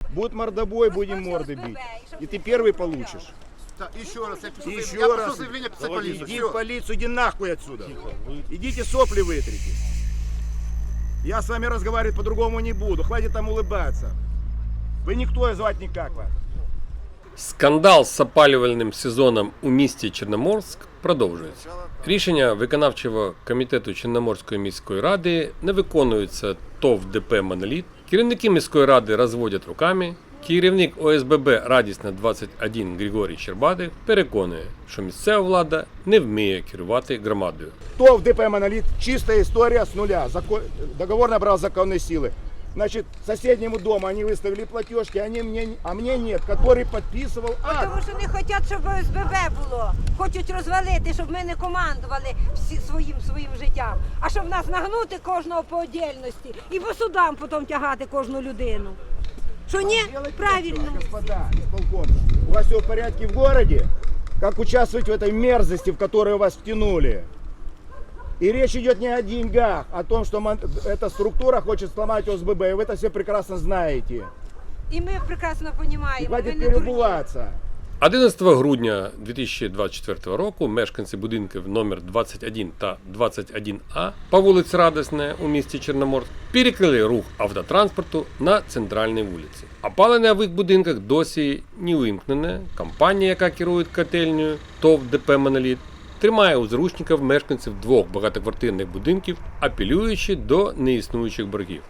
Будет мордобой, будем морды бить. И ты первый получишь. Так, еще раз, я пишу, Еще я раз. пишу заявление писать полицию. Иди Всё. в полицию, иди нахуй отсюда. Идите сопли вытрите. Я с вами разговаривать по-другому не буду. Хватит там улыбаться. Вы никто, и звать никак вас. Скандал з опалювальним сезоном у місті Чорноморськ продовжується. Рішення виконавчого комітету Чорноморської міської ради не виконуються ТОВ ДП «Моноліт». Керівники міської ради розводять руками. Керівник ОСББ «Радісна 21» Григорій Щербатий переконує, що місцева влада не вміє керувати громадою. ТОВ ДП «Монолит» чистая история с нуля. Договор набрал законной силы. Значит, соседнему дому они выставили платежки, а мне нет, который подписывал акт. Тому що не хочуть, щоб ОСББ було. Хочуть розвалити, щоб ми не командували своїм життям. А щоб нас нагнути кожного по отдельності і по судам потім тягати кожну людину. Що ні? Правильно. Господа, исполком, у вас все в порядке в городе? Как участвовать в этой мерзости, в которую вас втянули? И речь идет не о деньгах, а о том, что эта структура хочет сломать ОСББ, и вы это все прекрасно знаете. І ми прекрасно И розуміємо. хватит перебываться. 11 грудня 2024 року мешканці будинків номер 21 та 21А по вулиці Радісна у місті Чорноморськ перекрили рух автотранспорту на центральній вулиці. Опалення в їх будинках досі не вимкнене. Компанія, яка керує котельнею ТОВ ДП «Моноліт», тримає у заручників мешканців двох багатоквартирних будинків, апелюючи до неіснуючих боргів.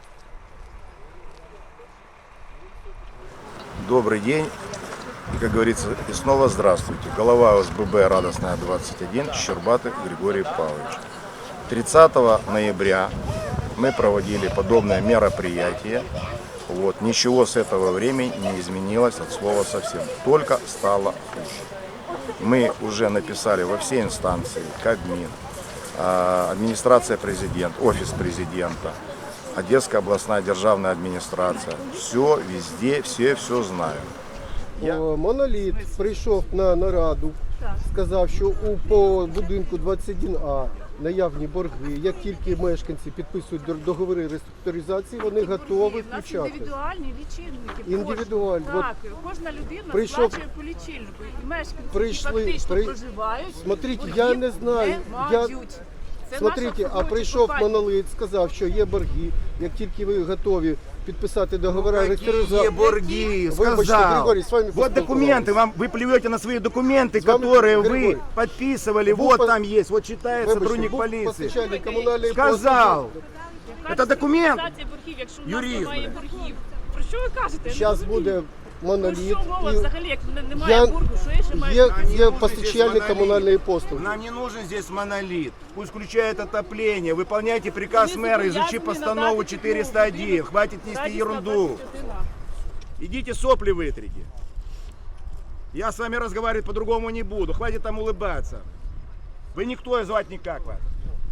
Добрый день. И, как говорится, и снова здравствуйте. Голова ОСББ «Радостная 21» Щербатый Григорий Павлович. 30 ноября мы проводили подобное мероприятие. Вот. Ничего с этого времени не изменилось от слова совсем. Только стало хуже. Мы уже написали во все инстанции, Кабмин, администрация президента, офис президента, Одесская областная державная администрация. Все, везде, все знают. Моноліт прийшов на нараду, сказав, що по будинку 21А наявні борги. Як тільки мешканці підписують договори реструктуризації, вони готові У нас включати. індивідуальні лічильники. Індивідуальні. Так, кожна людина прийшов- сплачує по лічильнику. І мешканці, Прийшли- які фактично при- проживають, Смотрите, боргів я не знаю, не я- мають. Це Смотрите, наша а прийшов компанія. Моноліт, сказав, що є борги. Як тільки ви готові підписати договори Какие реструктуризації, борги? Вибачте, Сказал. Григорій, з вами Вот документы, вы плюете на свои документы, С вами, которые вы Григорий, подписывали. был Вот по- там есть, вот читает Вибачте, сотрудник був полиции. постачальник комунальної Сказал. Яка Это документ. фіксація боргів, якщо у нас Юрист, немає блядь. боргів? Про що ви кажете? Я не Зараз розумію. буде Про Моноліт. що мова і взагалі, як немає боргу? Що я ще маю? Є нужен постачальник здесь комунальної монолит. послуги. Нам не нужен здесь монолит. Пусть включает отопление. Выполняйте приказ Вони мэра, зобов'язані изучи постанову надати 401. будинок. Хватит нести Радісна ерунду. 21А. Идите сопли вытрите. Я с вами разговаривать по-другому не буду. Хватит там улыбаться. Вы никто, и звать никак вас.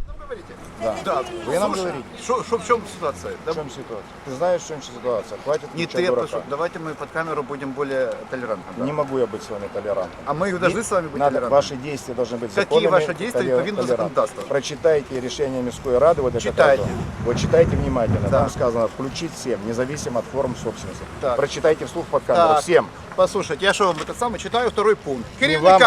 Да. Вы нам говорите, В чем ситуация? в чем ситуация? Ты знаешь, в чем ситуация? Хватит Не включать ты, дурака. давайте мы под камеру будем более толерантны. да? Не могу я быть с вами толерантным. А мы должны с вами быть Надо, толерантными. ваши действия должны быть Какие законными, ваши действия відповідно до толерантными. законодавства? Прочитайте решение Мирской Рады. Вот это Читайте. тоже. Вот читайте внимательно. Да. Там сказано включить всем, независимо от форм собственности. Так. Прочитайте вслух под камеру Так. всем. Послушайте, я що вам це саме читаю второй пункт. вам,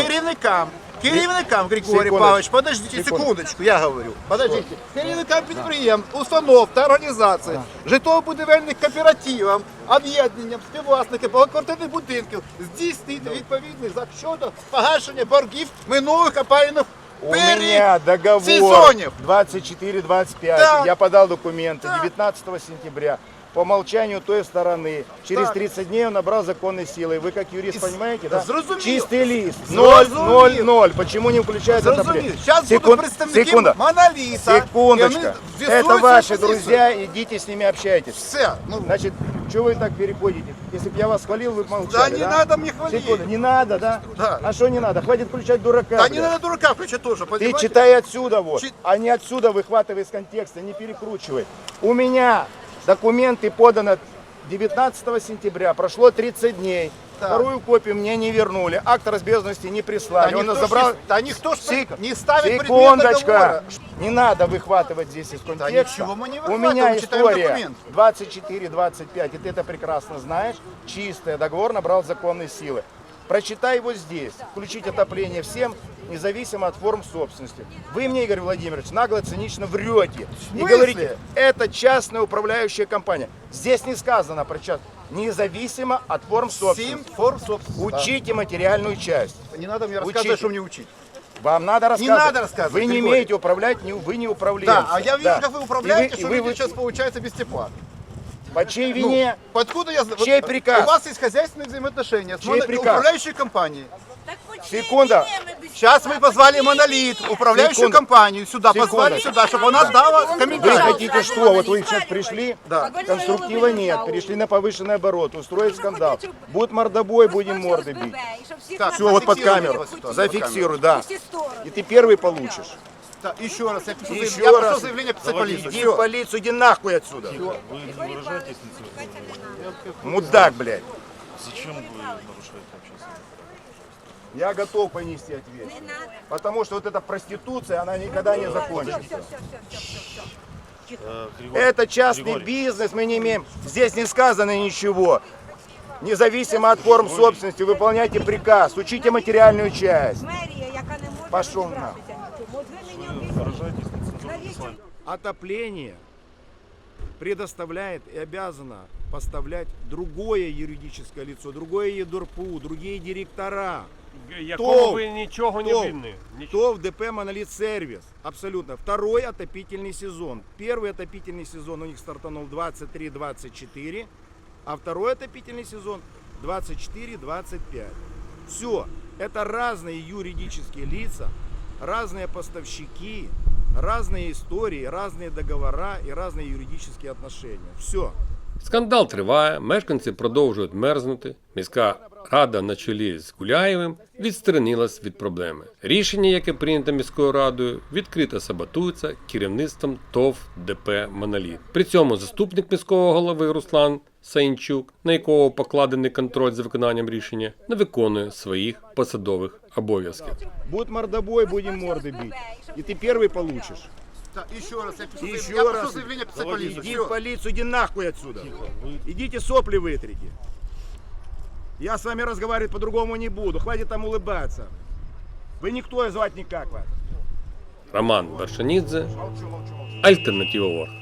Керівникам, Григорій Секундочку. Павлович, подождите секундочку, я говорю. Подождите. Керівникам підприємств, установ та організацій, житлово-будівельних кооперативів, об'єднанням, співвласників багатоквартирних будинків здійснити відповідний захід щодо погашення боргів минулих опалювальних У меня договор сезонів. 24-25. Так. Я подал документы Так. 19 сентября. По умолчанию той стороны. Через Так. 30 дней он набрал законной силы. Вы как юрист понимаете, да? Зрозумів. Чистый лист. Зрозумів. 0-0-0. Почему не включает Зрозумів. Зараз будуть представники Секунда. Моноліта. Секундочка. і вони Это з'ясують ваши свою позицію. друзья, идите с ними общайтесь. Все. Ну, Значит, что вы так переходите? Если бы я вас хвалил, вы бы молчали, да не надо мне хвалить. Секунду, не надо, да? Да. А что не надо? Хватит включать дурака. Да блядь. не надо дурака включать тоже. Ты понимаете? читай отсюда вот, Чит- а не отсюда выхватывай из контекста, не перекручивай. У меня документы поданы 19 сентября, прошло 30 дней. Вторую копию мне не вернули. Акт разбежности не прислали. Он забрал... Да никто ж Сек- не ставит предмет Секундочку. договора. Не надо выхватывать здесь из контекста. ничего мы не У меня выхватываем, читаем история документ. 24-25, и ты это прекрасно знаешь. Чистый договор набрал законной силы. Прочитай его здесь. Включить отопление всем, независимо от форм собственности. Вы мне, Игорь Владимирович, нагло цинично врете. И смысле? говорите, это частная управляющая компания. Здесь не сказано про частную. Независимо от форм 7 собственности. форм собственности. Учите материальную часть. Да. Не надо мне Учите. рассказывать, что мне учить. Вам надо рассказывать. надо рассказывать, Вы не Григорий. умеете управлять, вы не управленцы. Да, а я вижу, Да. как вы управляете, И что вы- люди сейчас получается без тепла. По чьей вине? Откуда я знаю? Чей приказ? У вас есть хозяйственные взаимоотношения с Чей приказ? управляющей компанией. Секунда. Сейчас мы позвали Монолит, управляющую Секунду. компанию, сюда, Секунду. позвали сюда, чтобы она дала Вы комментарий. хотите что? Вот вы сейчас пришли, Да. конструктива нет, перешли на повышенный оборот, устроить скандал. Будет мордобой, будем морды бить. Так, Все, вот под зафиксируйте камеру. эту ситуацию, Зафиксируй, да. Всі сторони. И ты первый получишь. Так, еще раз, я пишу, Еще я раз. прошу заявление писать полицию. Иди Всё. в полицию, иди нахуй отсюда. Мудак, блядь. Зачем вы нарушаете общественность? Я готов понести ответственность. Потому что вот эта проституция, она никогда не закончится. Это частный бизнес, мы не имеем. Здесь не сказано ничего. Независимо от форм собственности, выполняйте приказ, учите материальную часть. Мерія, яка не може Пошов розібратися нічому. От ви мені Выражаетесь обіцяєте. нецензурными словами. Отопление предоставляет и обязано поставлять другое юридическое лицо, другое ЕДОРПУ, другие директора. Якого ви нічого не ТОВ. винні. ТОВ ДП «Монолит Сервис». Абсолютно. Второй отопительный сезон. Первый отопительный сезон у них стартанул 23-24, а второй отопительный сезон 24-25. Все. Это разные юридические лица, разные поставщики, разные истории, разные договора и разные юридические отношения. Все. Скандал триває, мешканці продовжують мерзнути. Міська рада на чолі з Гуляєвим відсторонилась від проблеми. Рішення, яке прийнято міською радою, відкрито саботується керівництвом ТОВ ДП «Моноліт». При цьому заступник міського голови Руслан Саїнчук, на якого покладений контроль за виконанням рішення, не виконує своїх посадових обов'язків. Будет мордобой, будем морды бить. И ты первый получишь. Так, еще раз, я пишу, Еще я раз. прошу заявление писать полицию. Иди Всё. в полицию, иди нахуй отсюда. Идите сопли вытрите. Я с вами разговаривать по-другому не буду. Хватит там улыбаться. Вы никто и звать никак вас. Роман Вершанідзе, Альтернатива Ворг.